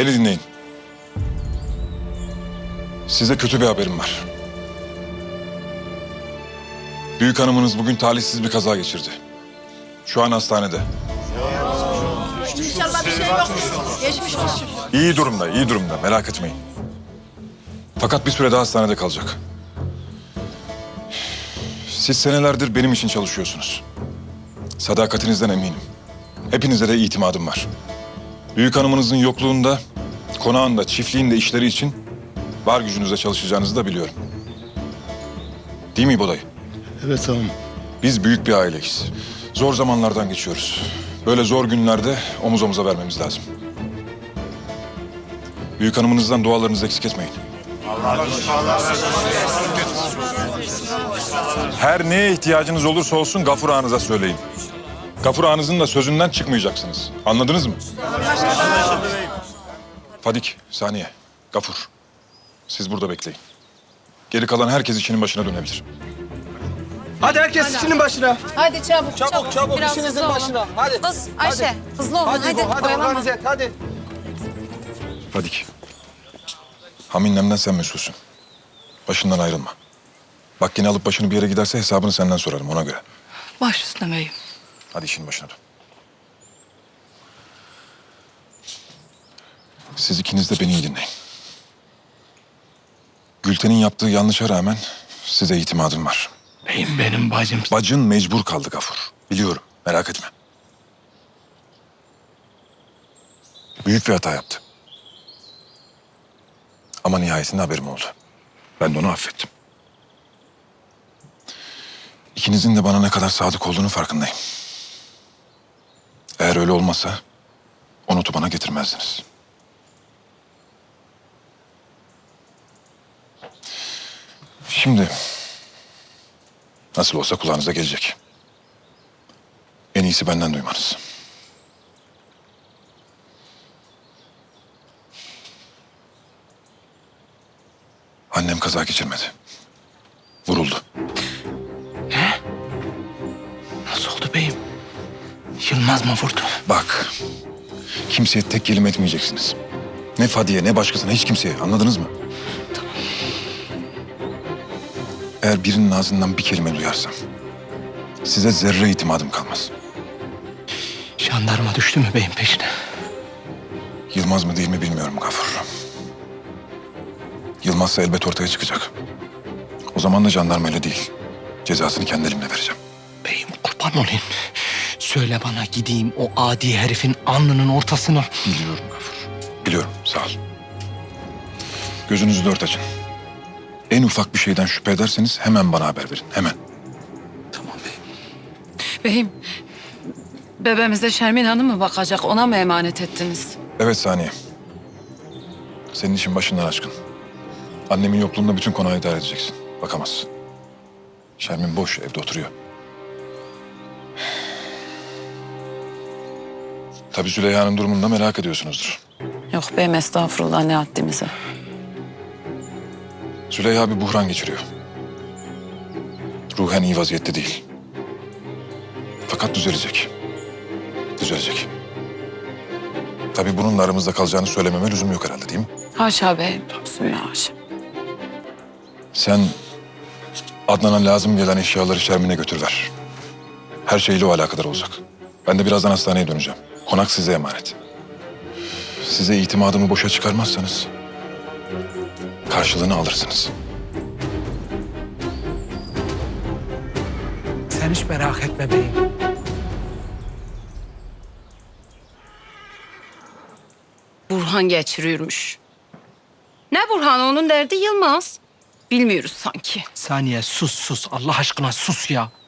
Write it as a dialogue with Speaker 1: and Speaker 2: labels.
Speaker 1: Beni dinleyin. Size kötü bir haberim var. Büyük hanımınız bugün talihsiz bir kaza geçirdi. Şu an hastanede.
Speaker 2: İnşallah bir şey yoktur. Geçmiş olsun.
Speaker 1: İyi durumda, iyi durumda. Merak etmeyin. Fakat bir süre daha hastanede kalacak. Siz senelerdir benim için çalışıyorsunuz. Sadakatinizden eminim. Hepinize de itimadım var. Büyük hanımınızın yokluğunda, konağında, çiftliğinde işleri için var gücünüzle çalışacağınızı da biliyorum. Değil mi İbo dayı?
Speaker 3: Evet tamam.
Speaker 1: Biz büyük bir aileyiz. Zor zamanlardan geçiyoruz. Böyle zor günlerde omuz omuza vermemiz lazım. Büyük hanımınızdan dualarınızı eksik etmeyin. Her neye ihtiyacınız olursa olsun Gafur ağanıza söyleyin. Gafur ağanızın da sözünden çıkmayacaksınız. Anladınız mı? Fadik, Saniye, Gafur. Siz burada bekleyin. Geri kalan herkes işinin başına dönebilir.
Speaker 4: Hadi herkes işinin başına.
Speaker 2: Hadi çabuk
Speaker 4: Çabuk
Speaker 2: Biraz
Speaker 4: işinizin
Speaker 2: hızlı olun.
Speaker 4: başına. Hadi.
Speaker 2: Kız Ayşe hızlı olun hadi.
Speaker 4: Hadi
Speaker 2: Oyalanma.
Speaker 4: organize et hadi.
Speaker 1: Fadik. Haminlemden sen mesulsün. Başından ayrılma. Bak yine alıp başını bir yere giderse hesabını senden sorarım ona göre.
Speaker 2: Baş üstüne beyim.
Speaker 1: Hadi işinin başına dön. Siz ikiniz de beni iyi dinleyin. Gülten'in yaptığı yanlışa rağmen size itimadım var.
Speaker 3: Beyim benim bacım.
Speaker 1: Bacın mecbur kaldı Gafur. Biliyorum, merak etme. Büyük bir hata yaptı. Ama nihayetinde haberim oldu. Ben de onu affettim. İkinizin de bana ne kadar sadık olduğunu farkındayım. Eğer öyle olmasa Onut'u bana getirmezdiniz. Şimdi nasıl olsa kulağınıza gelecek. En iyisi benden duymanız. Annem kaza geçirmedi. Vuruldu.
Speaker 3: Nasıl oldu beyim? Yılmaz mı vurdu?
Speaker 1: Bak, kimseye tek kelime etmeyeceksiniz. Ne Fadiye, ne başkasına, hiç kimseye. Anladınız mı? Eğer birinin ağzından bir kelime duyarsam size zerre itimadım kalmaz.
Speaker 3: Jandarma düştü mü beyim peşine?
Speaker 1: Yılmaz mı değil mi bilmiyorum Gafur. Yılmazsa elbet ortaya çıkacak. O zaman da jandarmayla değil, cezasını kendi elimle vereceğim.
Speaker 3: Beyim kurban olayım. Söyle bana gideyim o adi herifin alnının ortasına.
Speaker 1: Biliyorum Gafur. Biliyorum, sağ ol. Gözünüzü dört açın. En ufak bir şeyden şüphe ederseniz hemen bana haber verin, hemen.
Speaker 3: Tamam beyim.
Speaker 2: Beyim bebeğimize Şermin Hanım mı bakacak ona mı emanet ettiniz?
Speaker 1: Evet Saniye. Senin işin başından aşkın. Annemin yokluğunda bütün konağı idare edeceksin. Bakamazsın. Şermin boş, evde oturuyor. Tabii Züleyha'nın durumunu da merak ediyorsunuzdur.
Speaker 2: Yok beyim estağfurullah ne haddimize.
Speaker 1: Züleyha bir buhran geçiriyor. Ruhen iyi vaziyette değil. Fakat düzelecek. Düzelecek. Tabii bununla aramızda kalacağını söylememe lüzum yok herhalde değil mi?
Speaker 2: Haşa beyim. Bismillah haşa.
Speaker 1: Sen Adnan'a lazım gelen eşyaları Şermin'e götür ver. Her şeyle o alakadar olacak. Ben de birazdan hastaneye döneceğim. Konak size emanet. Size itimadımı boşa çıkarmazsanız karşılığını alırsınız.
Speaker 3: Sen hiç merak etme beyim.
Speaker 2: Burhan geçiriyormuş. Ne Burhan onun derdi Yılmaz. Bilmiyoruz sanki.
Speaker 3: Saniye sus Allah aşkına sus ya.